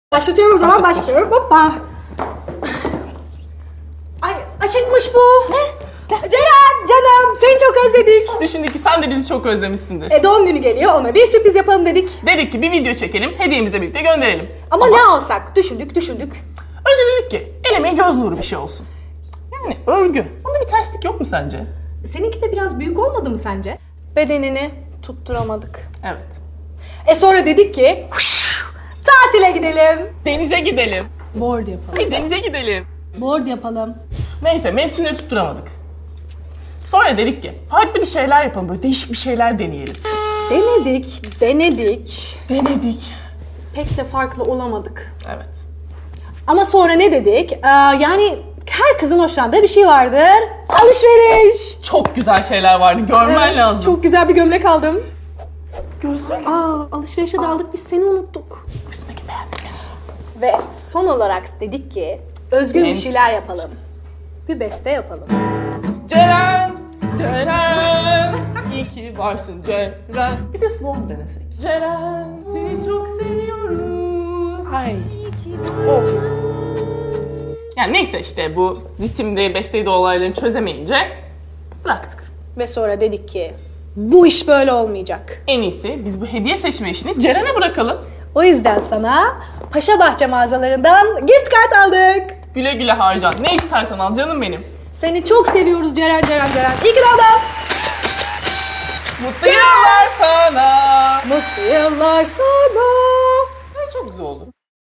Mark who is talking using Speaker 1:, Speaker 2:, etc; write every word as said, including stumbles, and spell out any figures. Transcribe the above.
Speaker 1: Başlatıyorum o zaman,
Speaker 2: Başlat,
Speaker 1: başlıyorum. Hoppa. Ay, açıkmış bu.
Speaker 2: Ne?
Speaker 1: Ceren, canım, seni çok özledik.
Speaker 2: Düşündük ki sen de bizi çok özlemişsindir.
Speaker 1: E, doğum günü geliyor, ona bir sürpriz yapalım dedik.
Speaker 2: Dedik ki bir video çekelim, hediyemizle birlikte gönderelim.
Speaker 1: Ama, ne alsak? Düşündük, düşündük.
Speaker 2: Önce dedik ki el emeği göz nuru bir şey olsun. Yani örgü. Onda bir terslik yok mu sence?
Speaker 1: Seninki de biraz büyük olmadı mı sence? Bedenini tutturamadık.
Speaker 2: Evet.
Speaker 1: E sonra dedik ki, tatile gidelim.
Speaker 2: Denize gidelim.
Speaker 1: Board yapalım.
Speaker 2: Ay, denize gidelim.
Speaker 1: Board yapalım.
Speaker 2: Neyse, mevsimleri tutturamadık. Sonra dedik ki farklı bir şeyler yapalım, böyle değişik bir şeyler deneyelim.
Speaker 1: Denedik, denedik.
Speaker 2: Denedik.
Speaker 1: Pek de farklı olamadık.
Speaker 2: Evet.
Speaker 1: Ama sonra ne dedik? Ee, yani her kızın hoşlandığı bir şey vardır. Alışveriş.
Speaker 2: Çok güzel şeyler vardı, görmen
Speaker 1: Evet,
Speaker 2: lazım.
Speaker 1: çok güzel bir gömlek aldım.
Speaker 2: Gözlük.
Speaker 1: Aa, alışverişe daldık, biz seni unuttuk.
Speaker 2: Üstündeki beğendim.
Speaker 1: Ve son olarak dedik ki özgün bir
Speaker 2: Evet.
Speaker 1: şeyler yapalım. Bir beste yapalım.
Speaker 2: Ceren, Ceren, iyi ki varsın Ceren. Bir de slogan denesek. Ceren, seni çok seviyoruz. Ay. Of. Yani neyse işte bu ritimde, besteyde olaylarını çözemeyince bıraktık.
Speaker 1: Ve sonra dedik ki bu iş böyle olmayacak.
Speaker 2: En iyisi biz bu hediye seçme işini Ceren'e bırakalım.
Speaker 1: O yüzden sana Paşabahçe mağazalarından gift kart aldık.
Speaker 2: Güle güle harcan. Ne istersen al canım benim.
Speaker 1: Seni çok seviyoruz Ceren, Ceren, Ceren. İyi ki doğdun.
Speaker 2: Mutlu yıllar sana.
Speaker 1: Mutlu yıllar sana.
Speaker 2: Ay, çok güzel oldu.